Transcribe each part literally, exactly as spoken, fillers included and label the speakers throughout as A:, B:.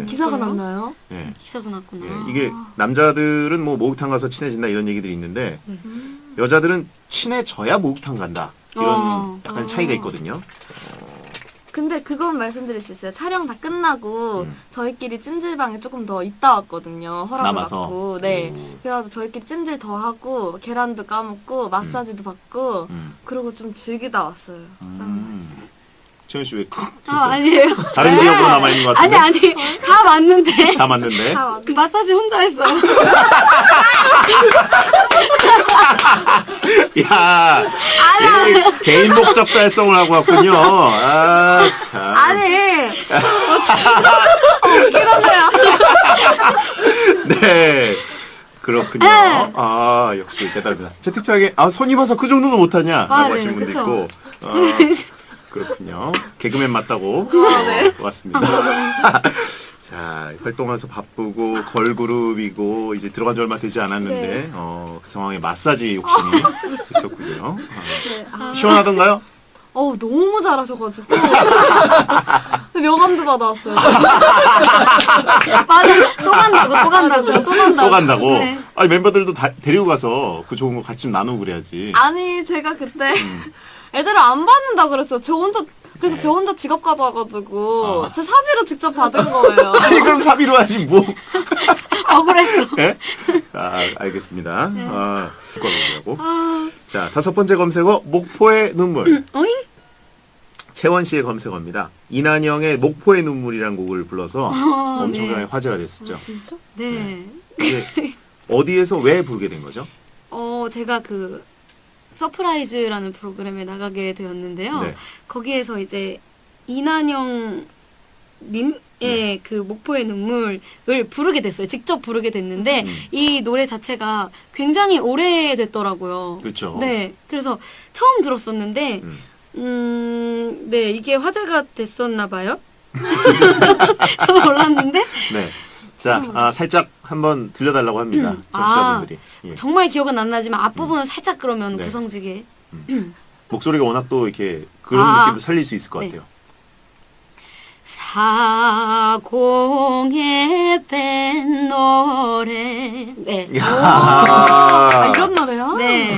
A: 네.
B: 기사가 났나요?
A: 네.
C: 기사도 났구나.
A: 예, 이게 남자들은 뭐 목욕탕 가서 친해진다 이런 얘기들이 있는데
C: 네.
A: 여자들은 친해져야 목욕탕 간다 이런
C: 어.
A: 약간
B: 어.
A: 차이가 있거든요.
B: 근데 그건 말씀드릴 수 있어요. 촬영 다 끝나고
A: 음.
B: 저희끼리 찜질방에 조금 더 있다 왔거든요. 허락을
A: 남아서?
B: 받고. 네.
A: 오.
B: 그래가지고 저희끼리 찜질 더 하고 계란도 까먹고 마사지도 받고
A: 음.
B: 그리고 좀 즐기다 왔어요.
A: 음. 채연 씨 왜 크?
C: 아, 아니에요.
A: 다른 지역으로 남아 있는 것
C: 아니,
A: 같은데?
C: 아니. 다 맞는데.
A: 다 맞는데?
B: 다 왔-
C: 마사지 혼자 했어요.
A: 야, 얘 개인 목적 달성을 하고 왔군요. 아, 참.
B: 아니!
A: 네. 그렇군요.
C: 네.
A: 아, 역시 대단합니다. 채택창에, 아, 손이 봐서 그 정도는 못하냐? 라고
C: 아,
A: 하시는
C: 네,
A: 분도
C: 그쵸.
A: 있고. 어, 그렇군요. 개그맨 맞다고.
C: 아, 네.
A: 어, 왔습니다. 자, 활동하면서 바쁘고, 걸그룹이고, 이제 들어간 지 얼마 되지 않았는데,
B: 네.
A: 어, 그 상황에 마사지 욕심이 있었군요.
B: 네. 아,
A: 어. 시원하던가요?
B: 어우, 너무 잘하셔가지고. 명함도 받아왔어요.
C: 맞아. 또 간다고, 또 간다고.
B: 또 간다고.
A: 또 간다고?
C: 네.
A: 아니, 멤버들도 다 데리고 가서 그 좋은 거 같이 좀 나누고 그래야지.
B: 아니, 제가 그때
A: 음.
B: 애들을 안 받는다 그랬어요. 저 혼자, 그래서
A: 네.
B: 저 혼자 지갑 가져와가지고,
A: 아.
B: 제 사비로 직접 받은 거예요.
A: 아니, 그럼 사비로 하지, 뭐.
C: 억울했어.
A: 예? 아, 알겠습니다.
C: 네.
A: 아, 습관이라고.
C: 아,
A: 자, 다섯 번째 검색어, 목포의 눈물.
C: 어잉?
A: 채원 씨의 검색어입니다. 이난영의 목포의 눈물이라는 곡을 불러서
C: 아,
A: 엄청나게
C: 네.
A: 화제가 됐었죠.
B: 아, 진짜?
C: 네.
A: 이게 어디에서 왜 부르게 된 거죠?
C: 어, 제가 그, 서프라이즈라는 프로그램에 나가게 되었는데요.
A: 네.
C: 거기에서 이제 이난영 님의
A: 네.
C: 그 목포의 눈물을 부르게 됐어요. 직접 부르게 됐는데
A: 음.
C: 이 노래 자체가 굉장히 오래됐더라고요.
A: 그렇죠.
C: 네. 그래서 처음 들었었는데
A: 음.
C: 음, 네, 이게 화제가 됐었나 봐요. 저도 몰랐는데
A: 네. 자, 아, 살짝 한번 들려달라고 합니다.
C: 음.
A: 청취자분들이. 예.
C: 정말 기억은 안 나지만 앞부분은 살짝 그러면
A: 네.
C: 구성지게.
A: 목소리가 워낙 또 이렇게 그런
C: 아.
A: 느낌도 살릴 수 있을 것
C: 네.
A: 같아요.
C: 사공에 뺀 노래. 네.
A: 야.
B: 아, 이런 노래요?
C: 네.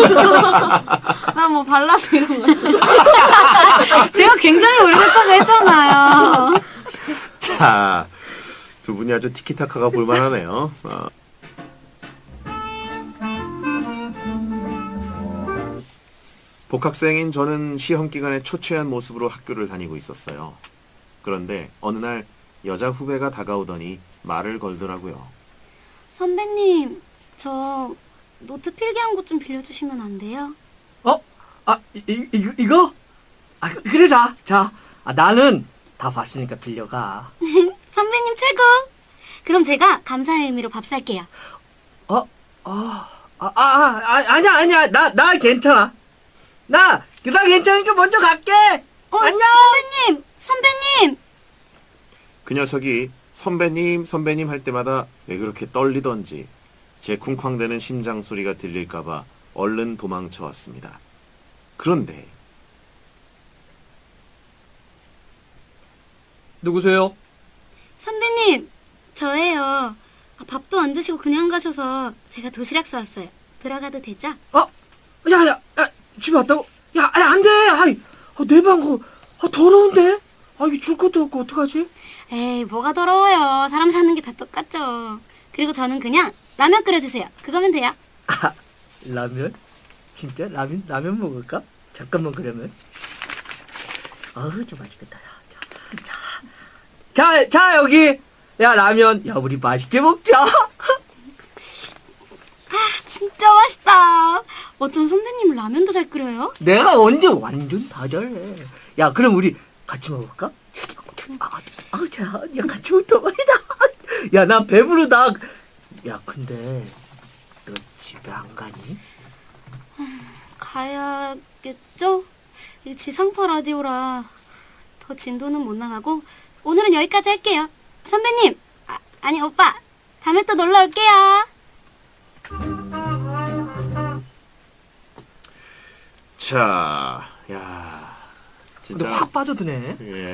B: 나 뭐 발라드 이런 거 있잖아.
C: 제가 굉장히 오래됐다고 했잖아요.
A: 자, 두 분이 아주 티키타카가 볼만하네요. 어. 복학생인 저는 시험 기간에 초췌한 모습으로 학교를 다니고 있었어요. 그런데 어느 날 여자 후배가 다가오더니 말을 걸더라고요.
C: 선배님, 저 노트 필기한 곳 좀 빌려주시면 안 돼요?
D: 어? 아, 이, 이, 이- 이거? 아, 그래, 자. 자. 아, 나는 다 봤으니까 빌려가.
C: 선배님 최고! 그럼 제가 감사의 의미로 밥 살게요.
D: 어? 아, 아, 아, 아, 아니야, 아니야. 나, 나 괜찮아. 나, 나 괜찮으니까 먼저 갈게.
C: 어,
D: 안녕!
C: 선배님! 선배님!
A: 그 녀석이 선배님, 선배님 할 때마다 왜 그렇게 떨리던지 제 쿵쾅대는 심장 소리가 들릴까봐 얼른 도망쳐 왔습니다. 그런데
D: 누구세요?
C: 선배님, 저예요. 아, 밥도 안 드시고 그냥 가셔서 제가 도시락 싸왔어요. 들어가도 되죠?
D: 어? 야, 야, 야, 집에 왔다고? 야, 야, 안 돼. 아이, 아, 내 방, 거, 아, 더러운데? 아, 이게 줄 것도 없고, 어떡하지?
C: 에이, 뭐가 더러워요. 사람 사는 게 다 똑같죠. 그리고 저는 그냥 라면 끓여주세요. 그거면 돼요.
D: 아, 라면? 진짜? 라면, 라면 먹을까? 잠깐만, 그러면. 어우, 좀 맛있겠다. 야, 자, 자, 자, 자, 여기. 야, 라면. 야, 우리 맛있게 먹자.
C: 진짜 맛있다. 어쩜 선배님은 라면도 잘 끓여요?
D: 내가 언제 완전 다 잘해. 야, 그럼 우리 같이 먹을까? 아, 아, 자, 야, 같이 먹자. 야, 나 배부르다. 야, 근데 너 집에 안 가니?
C: 가야겠죠? 이 지상파 라디오라 더 진도는 못 나가고 오늘은 여기까지 할게요. 선배님, 아, 아니 오빠, 다음에 또 놀러 올게요.
A: 자, 야,
D: 근데
A: 진짜.
D: 확 빠져드네.
A: 예.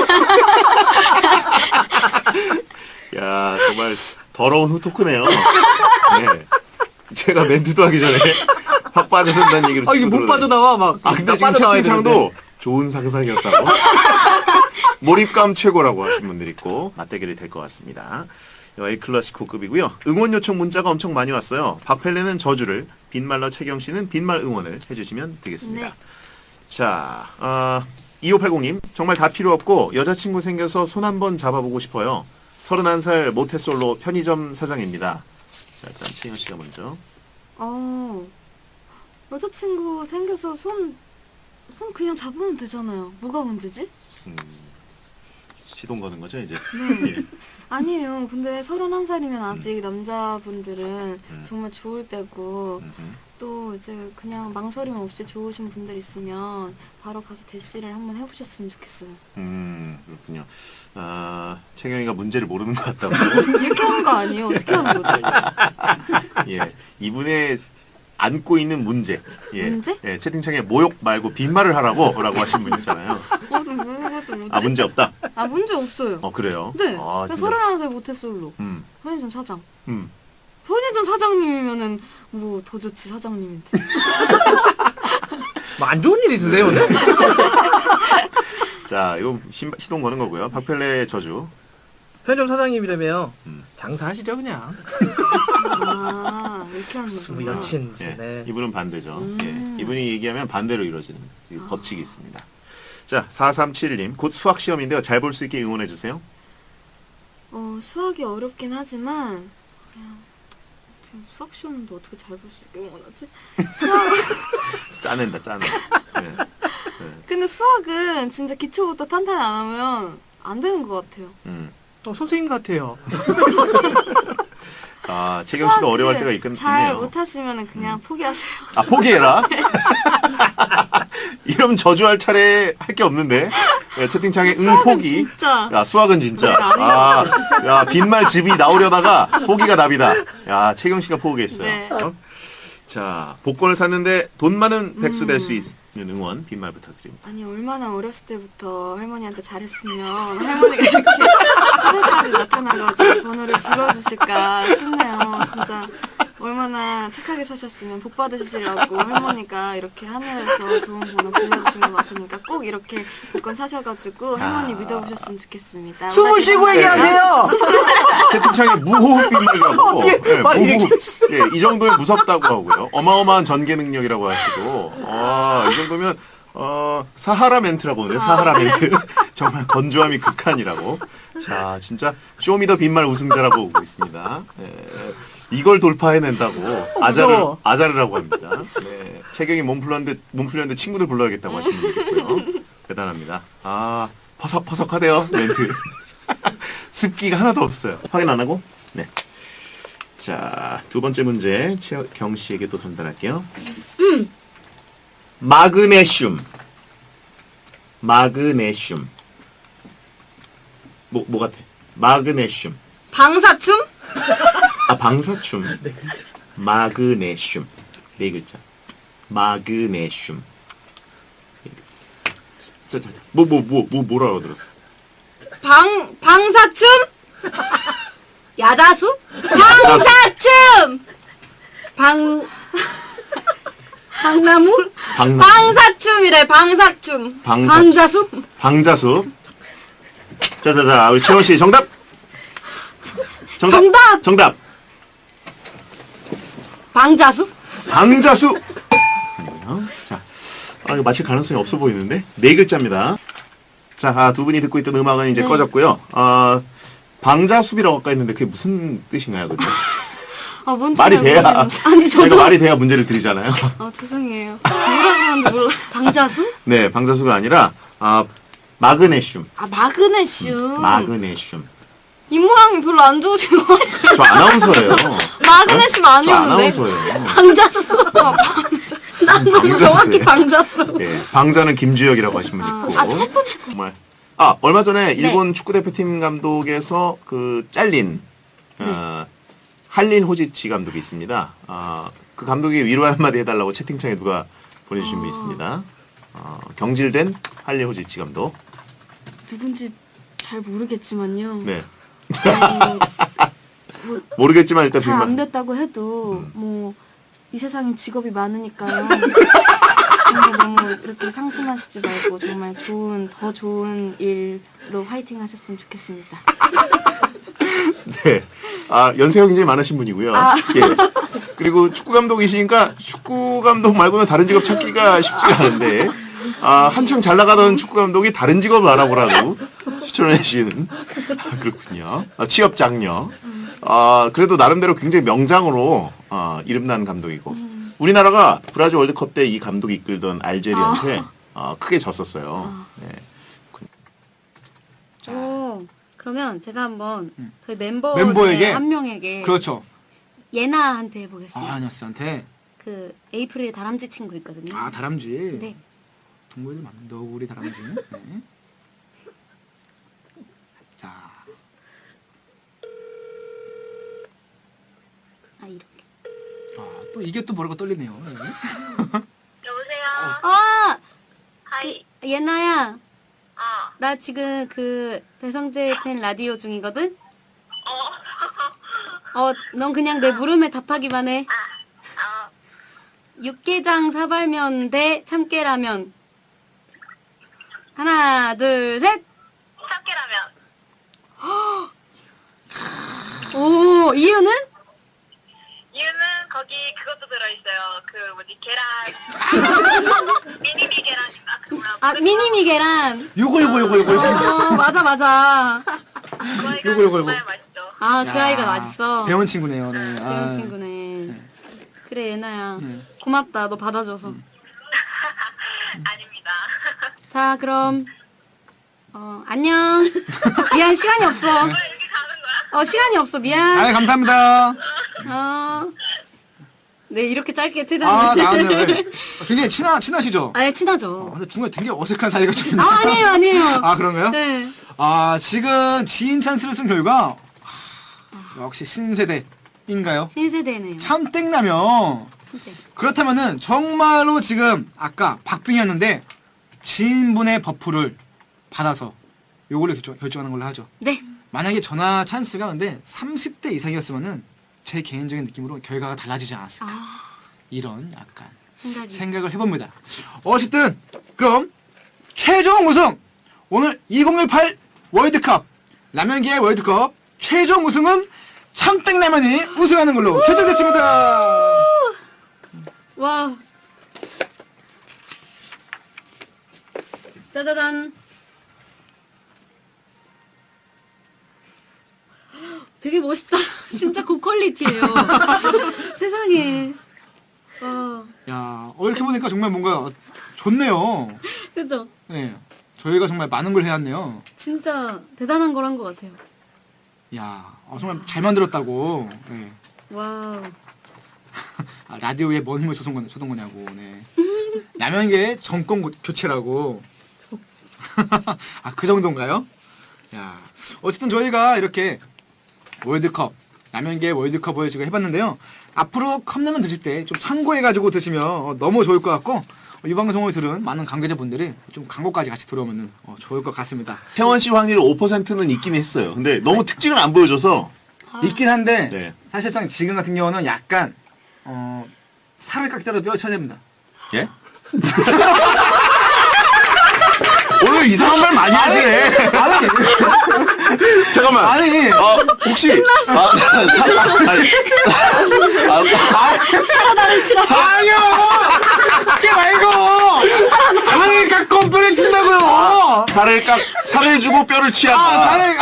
A: 야, 정말 더러운 후토크네요. 네. 제가 멘트도 하기 전에 확 빠져든다는 얘기를
D: 아, 이게
A: 치고
D: 못
A: 들어오다니.
D: 빠져나와, 막.
A: 아, 근데 지금
D: 빠져나와야
A: 채팅창도
D: 되는데.
A: 좋은 상상이었다고. 몰입감 최고라고 하신 분들 있고 맞대결이 될 것 같습니다. A 클래시코급이고요. 응원 요청 문자가 엄청 많이 왔어요. 박펠레는 저주를, 빈말러 채경 씨는 빈말 응원을 해주시면 되겠습니다.
B: 네.
A: 자, 어, 이오팔공님 정말 다 필요 없고 여자친구 생겨서 손 한번 잡아보고 싶어요. 서른한 살 모태솔로 편의점 사장입니다. 자, 일단 채경 씨가 먼저.
B: 어, 여자친구 생겨서 손, 손 그냥 잡으면 되잖아요. 뭐가 문제지?
A: 음, 시동 거는 거죠 이제.
B: 네.
A: 예.
B: 아니에요. 근데 서른한 살이면 아직 남자분들은
A: 음.
B: 정말 좋을 때고
A: 음, 음.
B: 또 이제 그냥 망설임 없이 좋으신 분들 있으면 바로 가서 대시를 한번 해보셨으면 좋겠어요.
A: 음, 그렇군요. 아, 채경이가 문제를 모르는 것 같다고.
B: 이렇게 하는 거 아니에요? 어떻게 하는 거죠?
A: 예, 이분의 안고 있는 문제. 예,
B: 문제?
A: 예, 채팅창에 모욕 말고 빈말을 하라고라고 하신 분 있잖아요.
B: 뭐도 뭐도 뭐지?
A: 아, 문제 없다.
B: 아 문제 없어요.
A: 어, 그래요.
B: 네.
A: 아,
B: 그러니까
A: 진짜.
B: 서른한 살 모태솔로
A: 음,
B: 편의점 사장.
A: 음.
B: 편의점 사장님이면은 뭐 더 좋지 사장님인데.
D: 뭐 안 좋은 일 있으세요, 오늘?
A: 자, 이거 신, 시동 거는 거고요. 박펠레 저주.
D: 편의점 사장님이라며.
A: 음.
D: 장사하시죠, 그냥.
B: 아 이렇게 하는
D: 뭐
B: 거구나.
D: 여친,
A: 예,
D: 무슨, 네.
A: 이분은 반대죠.
B: 음.
A: 예, 이분이 얘기하면 반대로 이루어지는 이
B: 아.
A: 법칙이 있습니다. 자, 사삼칠님 곧 수학 시험인데요. 잘 볼 수 있게 응원해 주세요.
B: 어 수학이 어렵긴 하지만 그냥 지금 수학 시험도 어떻게 잘 볼 수 있게 응원하지? 수학
A: 짜낸다, 짜내. 예.
B: 근데 수학은 진짜 기초부터 탄탄히 안 하면 안 되는 것 같아요.
A: 음.
D: 어, 선생님 같아요.
A: 아, 채경 씨도
B: 수학을
A: 어려워할 때가 있긴
B: 잘
A: 있네요.
B: 못하시면 그냥 포기하세요.
A: 아, 포기해라. 이러면 저주할 차례 할 게 없는데. 야, 채팅창에 응
B: 수학은
A: 포기.
B: 진짜
A: 야, 수학은 진짜.
B: 네, 아니야.
A: 아, 야, 빈말 즙이 나오려다가 포기가 답이다. 야, 채경 씨가 포기했어요.
B: 네.
A: 어? 자, 복권을 샀는데 돈 많은 백수 될 수
B: 음.
A: 있는 응원 빈말 부탁드립니다.
B: 아니 얼마나 어렸을 때부터 할머니한테 잘했으면 할머니가 이렇게 하늘까지 나타나가지고 번호를 불러주실까 싶네요. 진짜 얼마나 착하게 사셨으면 복 받으시려고 할머니가 이렇게 하늘에서 좋은 번호 불러주신 것 같으니까 꼭 이렇게 복권 사셔가지고 할머니
A: 아.
B: 믿어보셨으면 좋겠습니다.
D: 숨을 쉬고
B: 오라지
D: 얘기하세요!
A: 채팅창에 무호흡 빈말이라고.
D: 어떻게
A: 예,
D: 말
A: 무호흡. 예, 이 정도면 무섭다고 하고요. 어마어마한 전개 능력이라고 하시고. 아, 이 정도면 어, 사하라 멘트라고 하는데 사하라 멘트. 정말 건조함이 극한이라고. 자, 진짜 쇼미더 빈말 우승자라고 오고 있습니다. 예, 이걸 돌파해낸다고 아자를
D: 무서워.
A: 아자르라고 합니다. 네, 채경이 몸 풀렸는데 몸 풀렸는데 친구들 불러야겠다고 하시는 분들 있고요. 대단합니다. 아, 퍼석퍼석하대요 멘트. 습기가 하나도 없어요. 확인 안 하고? 네. 자, 두 번째 문제 최경 씨에게 또 전달할게요. 마그네슘. 마그네슘. 뭐, 뭐 같아? 마그네슘.
B: 방사춤?
A: 아, 방사춤. 마그네슘. 네 글자. 마그네슘. 자, 자, 자. 뭐, 뭐, 뭐, 뭐, 뭐라고 들었어?
B: 방 방사춤? 야자수? 방사춤! 방 방나무?
A: 방나
B: 방사춤이래 방사춤.
A: 방사춤.
B: 방자수?
A: 방자수. 자, 자, 자, 우리 채원 씨 정답. 정답.
B: 정답!
A: 정답.
B: 방자수?
A: 방자수. 아니고요. 자, 아, 이거 맞힐 가능성이 없어 보이는데 네 글자입니다. 자, 아, 두 분이 듣고 있던 음악은 이제
B: 네.
A: 꺼졌고요. 아, 방자수비라고 아까 했는데 그게 무슨 뜻인가요, 근데?
B: 아 뭔지
A: 말이
B: 잘
A: 돼야.
B: 모르겠는데. 아니
A: 저희가
B: 저도
A: 말이 돼야 문제를 드리잖아요.
B: 아 죄송해요. 뭐라 그러는지 몰라. 방자수?
A: 네, 방자수가 아니라 아, 마그네슘.
B: 아 마그네슘.
A: 마그네슘.
B: 입 모양이 별로 안 좋으신 것 같아요.
A: 저 아나운서예요.
B: 마그네슘
A: 저
B: 아니었는데.
A: 아나운서예요.
B: 방자수. 아, 방자. 난 너무
A: 방자수예요.
B: 정확히 방자수라고.
A: 네, 방자는 김주혁이라고 하신 분
B: 아,
A: 있고.
B: 아, 첫 번째 거.
A: 정말. 아, 얼마 전에
B: 네.
A: 일본 축구 대표팀 감독에서 그 잘린 어, 할린 호지치 감독이 있습니다. 아, 그 감독이 위로의 한마디 해달라고 채팅창에 누가 보내주신 분
B: 아.
A: 있습니다. 어, 경질된 할리 호지치 감독.
B: 누군지 잘 모르겠지만요.
A: 네.
B: 뭐,
A: 모르겠지만 일단
B: 잘 안
A: 빅만.
B: 됐다고 해도 뭐 이 세상엔 직업이 많으니까요. 정말 너무 이렇게 상심하시지 말고 정말 좋은 더 좋은 일로 화이팅 하셨으면 좋겠습니다.
A: 네. 아, 연세가 굉장히 많으신 분이고요.
B: 아.
A: 예. 그리고 축구 감독이시니까 축구 감독 말고는 다른 직업 찾기가 쉽지가 않은데, 아, 한창 잘 나가던 축구 감독이 다른 직업을 알아보라고 추천해 주시는. 아, 그렇군요. 아, 취업 장려. 아, 그래도 나름대로 굉장히 명장으로 아, 이름난 감독이고. 우리나라가 브라질 월드컵 때 이 감독이 이끌던 알제리한테 아, 크게 졌었어요. 네.
C: 오, 그러면 제가 한번
D: 음.
C: 저희 멤버
D: 멤버에게?
C: 중에 한 명에게
D: 그렇죠.
C: 예나한테 해보겠습니다.
D: 아, 아니었한테.
C: 그 에이프릴 다람쥐 친구 있거든요.
D: 아, 다람쥐.
C: 네.
D: 동물들 많은 너구리 다람쥐. 네. 자,
C: 아 이렇게.
D: 아, 또 이게 또 모르고 떨리네요. 네.
E: 여보세요?
C: 아
E: 하이.
C: 예나야,
E: 어.
C: 나 지금 그 배성재 팬 라디오 중이거든.
E: 어.
C: 어, 넌 그냥 내 물음에 답하기만 해.
E: 어.
C: 육개장 사발면 대 참깨라면. 하나, 둘, 셋.
E: 참깨라면.
C: 오, 이유는?
E: 이유는 거기 그것도 들어있어요. 그 뭐지 계란. 미니미 계란인가? 그 뭐야?
C: 아, 미니미 계란.
D: 요거 요거 요거 요거.
C: 어, 맞아, 맞아.
E: 그 아이가
D: 요거, 요거,
E: 정말
D: 요거.
E: 맛있죠.
C: 아, 그
D: 야,
C: 아이가 맛있어.
D: 배운 친구네요. 네.
C: 배운
D: 아,
C: 친구네. 그래, 예나야.
D: 네.
C: 고맙다, 너 받아줘서.
E: 아닙니다.
C: 자, 그럼. 어, 안녕. 미안, 시간이 없어.
E: 왜 이렇게 가는 거야?
C: 어, 시간이 없어, 미안.
D: 아, 감사합니다.
C: 어. 네, 이렇게 짧게
D: 아,
C: 퇴장을.
D: 나왔네요. 네. 굉장히 친하 친하시죠?
C: 아, 예,
D: 어,
C: 친하죠.
D: 근데 중간에 되게 어색한 사이가 좀.
C: 아, 아니에요, 아니에요.
D: 아, 그런가요?
C: 네.
D: 아, 지금 지인 찬스를 쓴 결과 하, 역시 신세대인가요?
C: 신세대네요.
D: 참땡라면.
C: 참땡.
D: 그렇다면은 정말로 지금 아까 박빙이었는데 지인분의 버프를 받아서 요걸로 결정, 결정하는 걸로 하죠.
C: 네.
D: 만약에 전화 찬스가 근데 삼십 대 이상이었으면은 제 개인적인 느낌으로 결과가 달라지지 않았을까.
C: 아,
D: 이런 약간
C: 생각이.
D: 생각을 해봅니다. 어쨌든 그럼 최종 우승 오늘 이천십팔 월드컵 라면계의 월드컵 최종 우승은 참땡라면이 우승하는 걸로 결정됐습니다.
C: 와. 짜자잔. 되게 멋있다. 진짜 고퀄리티예요. 세상에. 와.
D: 야, 어, 이렇게 보니까 정말 뭔가 좋네요.
C: 그죠?
D: 네, 저희가 정말 많은 걸 해왔네요.
C: 진짜 대단한 걸 한 것 같아요.
D: 야, 어, 정말 잘 만들었다고. 네.
C: 와우.
D: 아, 라디오에 뭔 힘을 쏟은, 거, 쏟은 거냐고. 네. 라면계 정권 고- 교체라고. 아, 그 정도인가요? 야, 어쨌든 저희가 이렇게 월드컵, 라면계 월드컵을 지금 해봤는데요. 앞으로 컵라면 드실 때 좀 참고해가지고 드시면 어, 너무 좋을 것 같고, 어, 이 방송을 들은 많은 관계자분들이 좀 광고까지 같이 들어오면 어, 좋을 것 같습니다.
A: 태원 씨 확률 오 퍼센트는 있긴 했어요. 근데 너무 특징을 안 보여줘서.
D: 있긴 한데,
A: 네.
D: 사실상 지금 같은 경우는 약간, 어, 살을 깎더라도 뼈를 쳐야 됩니다.
A: 예? 오늘 이상한 말 많이 하시네.
D: 아니,
A: 잠깐만.
D: 아니,
A: 어, 혹시. 아, 사, 사, 아니, 아, 아,
C: 사라다를 치라.
D: 아니요! 그게 말고! 살을 깎고 뼈를 친다고요!
A: 살을 깎, 살을 주고 뼈를 취한다.
D: 아, 살을,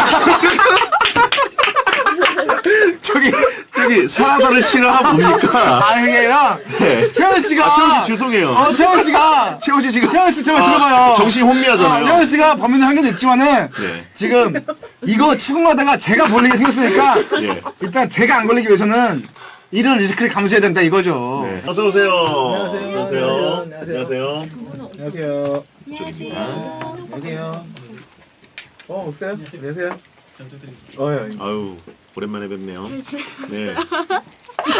A: 저기, 저기, 사라다를 치라 뭡니까?
D: 아, 그게 아니라,
A: 네.
D: 채원 씨가.
A: 아, 채원 씨 죄송해요.
D: 어, 채원 씨가.
A: 채원 씨 지금.
D: 채원 씨 제발
A: 아,
D: 들어봐요.
A: 정신이 혼미하잖아요.
D: 채원 씨가 범인의 한계도 있지만은,
A: 네.
D: 지금, 이거 추궁하다가 제가 걸리게 생겼으니까,
A: 예.
D: 일단 제가 안 걸리기 위해서는, 이런 리스크를 감수해야 된다 이거죠.
A: 네. 어서오세요.
D: 안녕하세요.
A: 안녕하세요.
D: 안녕하세요.
A: 안녕하세요.
C: 안녕하세요.
F: 안녕하세요. 어, 오세요? 안녕하세요. 어, 예.
A: 아유, 오랜만에 뵙네요.
B: 잘 지내셨어요?
A: 네.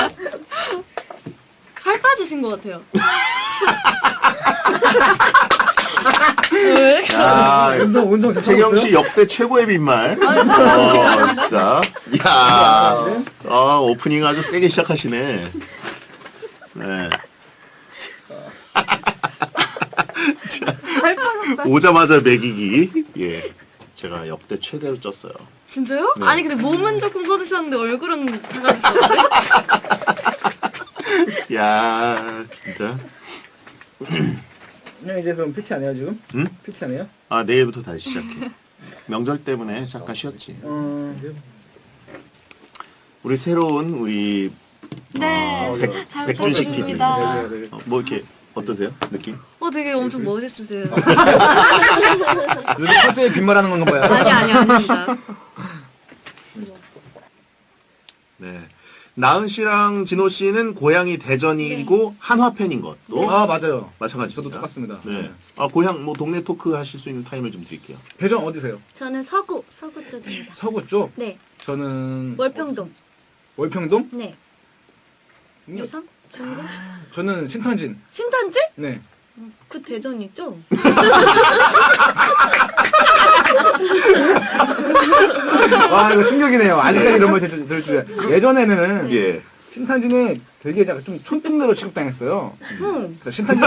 B: 살 빠지신 것 같아요.
A: 야,
F: 운동 운동
A: 재경 씨 역대 최고의 빈말. 어, 진짜. 야, 아, 오프닝 아주 세게 시작하시네. 네. 자, 오자마자 매기기. 예. 제가 역대 최대로 쪘어요.
B: 진짜요?
A: 네.
B: 아니 근데 몸은 조금 커지셨는데 얼굴은 작아지셨는데?
A: 야, 진짜.
F: 형 이제 그럼 피티 안 해요 지금?
A: 응?
F: 피티 안 해요?
A: 아, 내일부터 다시 시작해. 명절 때문에 잠깐 쉬었지.
F: 어.
A: 우리 새로운 우리
B: 네.
A: 어, 백,
B: 잘
A: 백준식 피디.
B: 부탁드립니다.
F: 네, 네, 네.
A: 어, 뭐 이렇게 어떠세요? 느낌?
B: 어 되게 엄청 멋있으세요.
F: 요즘 컨셉에 빈말하는 건가 봐요.
B: 아니 아니 아닙니다.
A: 네. 나은 씨랑 진호 씨는 고향이 대전이고 한화 팬인 것도
F: 아 맞아요.
A: 마찬가지입니다.
F: 저도 똑같습니다.
A: 네. 아 고향 뭐 동네 토크 하실 수 있는 타임을 좀 드릴게요.
F: 대전 어디세요?
C: 저는 서구, 서구 쪽입니다.
F: 서구 쪽.
C: 네,
F: 저는
C: 월평동.
F: 월평동.
C: 네, 유성? 중구?
F: 저는 신탄진.
C: 신탄지?
F: 네.
C: 그 대전이죠?
F: 와 이거 충격이네요. 아직까지 이런 말 들- 들을 줄이야. 예전에는
A: 예.
F: 신탄진이 되게 약간 좀 촌동네로 취급당했어요.
C: 응.
F: 그래서 신탄진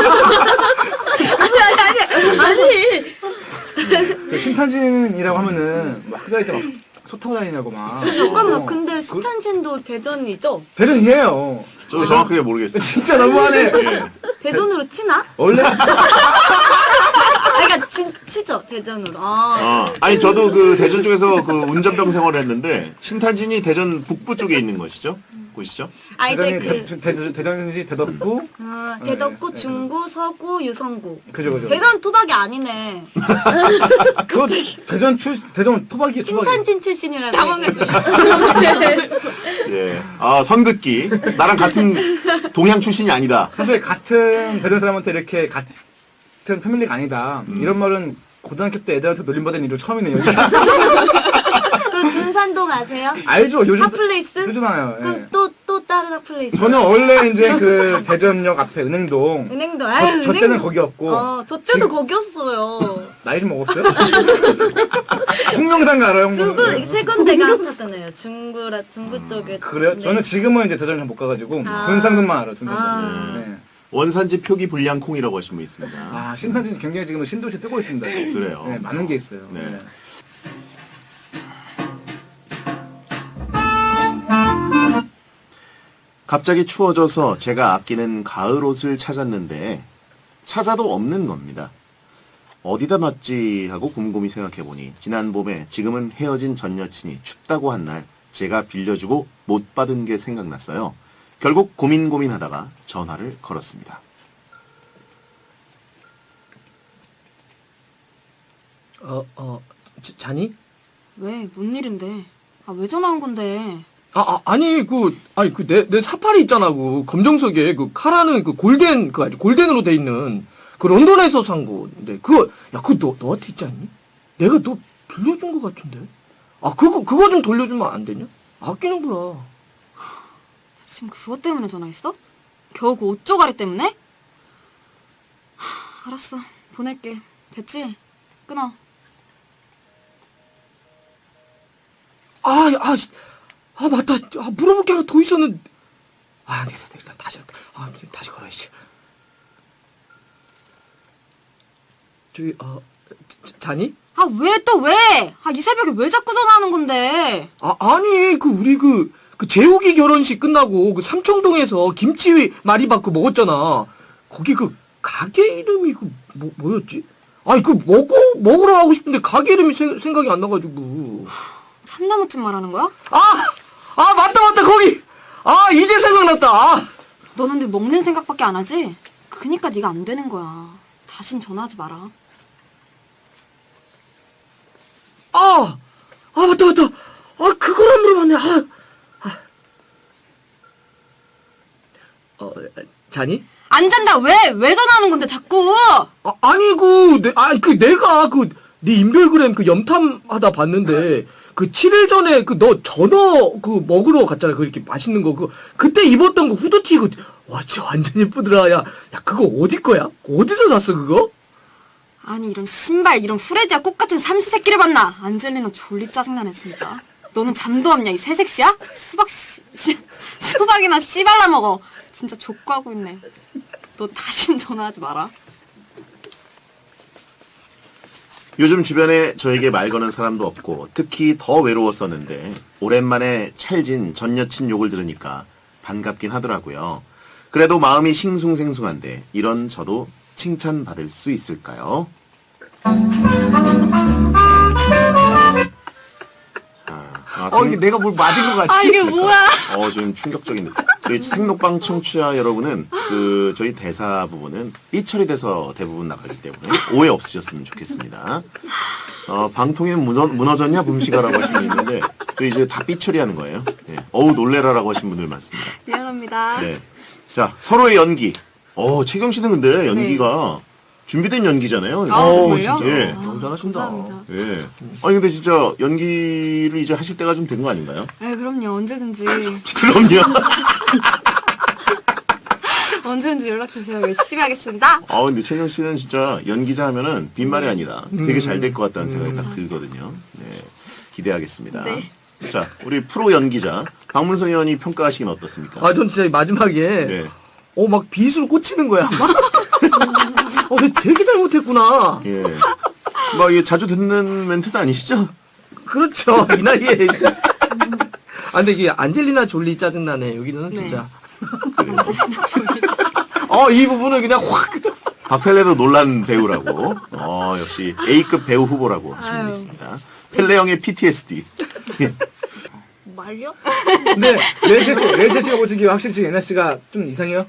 C: 아니!
F: 그 신탄진이라고 하면은 막 학교 다닐 때막 소 타고 다니냐고 막.
C: 잠깐만,
F: 어.
C: 근데
F: 그-
C: 스탄진도 대전이죠?
F: 대전이에요.
A: 저 정확하게 모르겠어요.
F: 진짜 너무하네.
A: 예.
C: 대전으로 치나?
F: 원래
C: 아, 그러니까 치, 치죠, 대전으로. 아,
A: 어, 아니 저도 그 대전 쪽에서 그 운전병 생활을 했는데 신탄진이 대전 북부 쪽에 있는 것이죠? 곳이죠?
C: 아 이제
F: 대전이
C: 그,
F: 대, 대, 대전시 대덕구.
C: 아, 대덕구,
F: 네, 네.
C: 중구, 서구, 유성구.
F: 그죠 그죠.
C: 대전 토박이 아니네.
F: 그거 대전 출 대전 토박이 토박이.
C: 신탄진 출신이라고.
B: 당황했어요.
A: 예. 아 선긋기. 나랑 같은 동양 출신이 아니다.
F: 사실 같은 대전 사람한테 이렇게 같은 패밀리가 아니다.
A: 음.
F: 이런 말은 고등학교 때 애들한테 놀림받은 일은 처음이네요.
C: 그 준산동 아세요?
F: 알죠? 요즘
C: 핫플레이스?
F: 뜨잖아요. 예.
C: 그럼 또, 또 다른 핫플레이스.
F: 저는 원래 이제 그 대전역 앞에 은행동.
C: 은행도,
F: 저,
C: 아유,
F: 저
C: 은행-
F: 때는 거기였고.
C: 어, 저 때도
F: 지금-
C: 거기였어요.
F: 나이 좀 먹었어요? 홍명산 알아요? 홍명산?
C: 중구, 세 군데가 핫하잖아요. 중구라, 중구 쪽에.
F: 그래요?
C: 네.
F: 저는 지금은 이제 대전을 잘 못 가가지고
C: 아.
F: 군산동만 알아요. 군산동.
C: 아.
F: 네.
A: 원산지 표기 불량 콩이라고 하신 분 있습니다.
F: 아 신탄진 굉장히 지금 신도시 뜨고 있습니다.
A: 그래요.
F: 네, 많은 게 있어요.
A: 네.
F: 네.
A: 갑자기 추워져서 제가 아끼는 가을 옷을 찾았는데 찾아도 없는 겁니다. 어디다 놨지 하고 곰곰이 생각해보니 지난 봄에 지금은 헤어진 전 여친이 춥다고 한 날 제가 빌려주고 못 받은 게 생각났어요. 결국 고민 고민하다가 전화를 걸었습니다.
D: 어, 어, 자, 자니?
B: 왜? 뭔 일인데? 아 왜 전화 온 건데?
G: 아, 아 아니 그 아니 그 내 내 사파리 있잖아 그 검정색에 그 카라는 그 골덴 그 아주 골덴으로 돼 있는 그 런던에서 산 건데 그거 야 그거 너 너한테 있지 않니? 내가 너 빌려준 거 같은데. 아 그거 그거 좀 돌려주면 안 되냐? 아끼는구나.
B: 지금 그것 때문에 전화했어? 겨우 그 옷 조가리 때문에? 하, 알았어. 보낼게. 됐지? 끊어.
G: 아, 아, 씨. 아 맞다. 아 물어볼 게 하나 더 있었는데. 아, 네, 네, 네, 일단 다시 아 다시 걸어야지. 저기 어 자- 자니?
B: 아 왜 또 왜? 아 이 새벽에 왜 자꾸 전화하는 건데?
G: 아, 아니, 그, 우리 그, 그, 재욱이 결혼식 끝나고, 그, 삼청동에서 김치 많이 받고 먹었잖아. 거기 그, 가게 이름이 그, 뭐, 뭐였지? 아니, 그, 먹고, 먹으러 가고 싶은데, 가게 이름이 세- 생각이 안 나가지고.
B: 참나무집 말하는 거야?
G: 아! 아, 맞다, 맞다, 거기! 아, 이제 생각났다! 아!
B: 너는 늘 먹는 생각밖에 안 하지? 그니까 네가 안 되는 거야. 다신 전화하지 마라.
G: 아! 아, 맞다, 맞다! 아, 그걸 안 물어봤네, 아! 아. 어, 자니?
B: 안 잔다. 왜? 왜 전화하는 건데 자꾸?
G: 아, 아니, 그, 내, 아니, 그, 내가, 그, 네 인별그램 그 염탐하다 봤는데, 그, 칠 일 전에 그, 너 전어, 그, 먹으러 갔잖아. 그, 이렇게 맛있는 거. 그, 그때 입었던 그 후드티, 그, 와, 진짜 완전 예쁘더라. 야, 야, 그거 어디 거야? 어디서 샀어, 그거?
B: 아니 이런 신발 이런 후레지와 꽃 같은 삼시세끼를 봤나? 안젤리나 졸리 짜증나네 진짜. 너는 잠도 없냐 이 새색시야? 수박 씨, 씨 수박이나 씨발라 먹어. 진짜 족구하고 있네. 너 다신 전화하지 마라.
A: 요즘 주변에 저에게 말 거는 사람도 없고 특히 더 외로웠었는데 오랜만에 찰진 전 여친 욕을 들으니까 반갑긴 하더라고요. 그래도 마음이 싱숭생숭한데 이런 저도 칭찬받을 수 있을까요? 자, 아,
D: 어, 이게 내가 뭘 맞은 것 같지?
B: 아 이게 뭐야?
A: 어, 좀 충격적인 느낌. 저희 생록방 청취자 여러분은 그 저희 대사 부분은 삐처리 돼서 대부분 나가기 때문에 오해 없으셨으면 좋겠습니다. 어, 방통위는 무너, 무너졌냐 붐시가라고 하신 분 있는데 저 이제 다 삐처리 하는 거예요. 네. 어우 놀래라라고 하신 분들 많습니다.
B: 미안합니다.
A: 네. 자, 서로의 연기. 어, 최경 씨는 근데 연기가 준비된 연기잖아요.
B: 아,
A: 어,
B: 정말요?
A: 진짜. 예.
G: 너무 잘하신다.
B: 감사합니다.
A: 예. 아니 근데 진짜 연기를 이제 하실 때가 좀 된 거 아닌가요?
B: 아 그럼요 언제든지
A: 그럼요.
B: 언제든지 연락주세요. 열심히 하겠습니다.
A: 아 근데 최경 씨는 진짜 연기자 하면은 빈말이 아니라 되게 잘 될 것 같다는 생각이 딱 들거든요. 네, 기대하겠습니다.
B: 네.
A: 자, 우리 프로 연기자 박문성 의원이 평가하시긴 어떻습니까?
G: 아, 전 진짜 이 마지막에
A: 네,
G: 어, 막 비수로 꽂히는 거야. 어, 내가 되게 잘못했구나.
A: 예. 막 이게 자주 듣는 멘트도 아니시죠?
G: 그렇죠. 이 나이에. 아, 근데 이게 안젤리나 졸리 짜증나네. 여기는
B: 네.
G: 진짜. 어, 이 부분은 그냥 확.
A: 박펠레도 놀란 배우라고. 어, 역시 A급 배우 후보라고 하시는 분
B: 아유.
A: 있습니다. 펠레 형의 피티에스디.
B: 말려?
F: 근데 레이첼 씨, 레이첼 씨가 보시기에 확실히 지금 예나 씨가 좀 이상해요?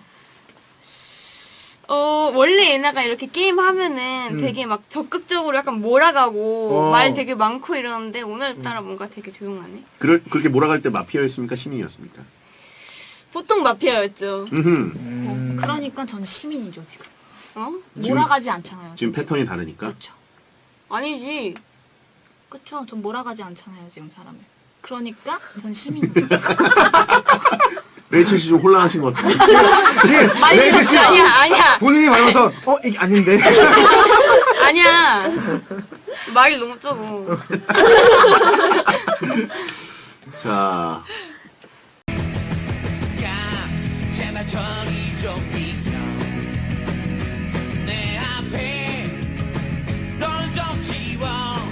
H: 어, 원래 예나가 이렇게 게임 하면은 되게 막 적극적으로 약간 몰아가고
F: 어.
H: 말 되게 많고 이러는데 오늘따라 뭔가 되게 조용하네.
A: 그럴, 그렇게 몰아갈 때 마피아였습니까? 시민이었습니까?
H: 보통 마피아였죠.
A: 음흠.
I: 그러니까 전 시민이죠 지금.
H: 어?
I: 몰아가지 않잖아요.
A: 지금
I: 전
A: 패턴이 다르니까.
I: 그렇죠.
H: 아니지.
I: 그렇죠. 전 몰아가지 않잖아요 지금 사람을. 그러니까 전 시민이죠.
A: 레이첼 씨 좀 혼란하신 것 같은데.
F: 지금 레이첼 씨
H: 아니야, 아니야.
F: 본인이 말해서 어 이게 아닌데.
H: 아니야. 말이 너무 적어.
A: 자,
J: 제발 저리 좀 비켜 내 앞에 널 좀 지워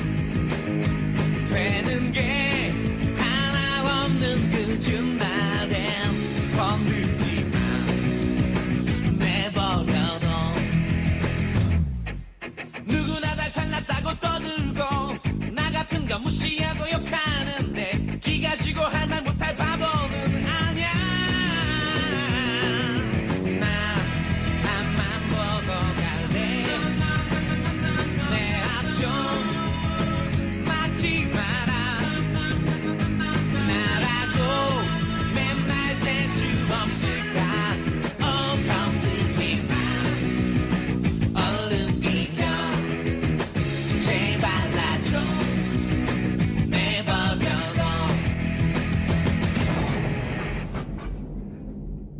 J: 되는 게 하나 없는 그중 나를 건들지 마 내버려둬 누구나 다 잘났다고 떠들고 나 같은 건 무시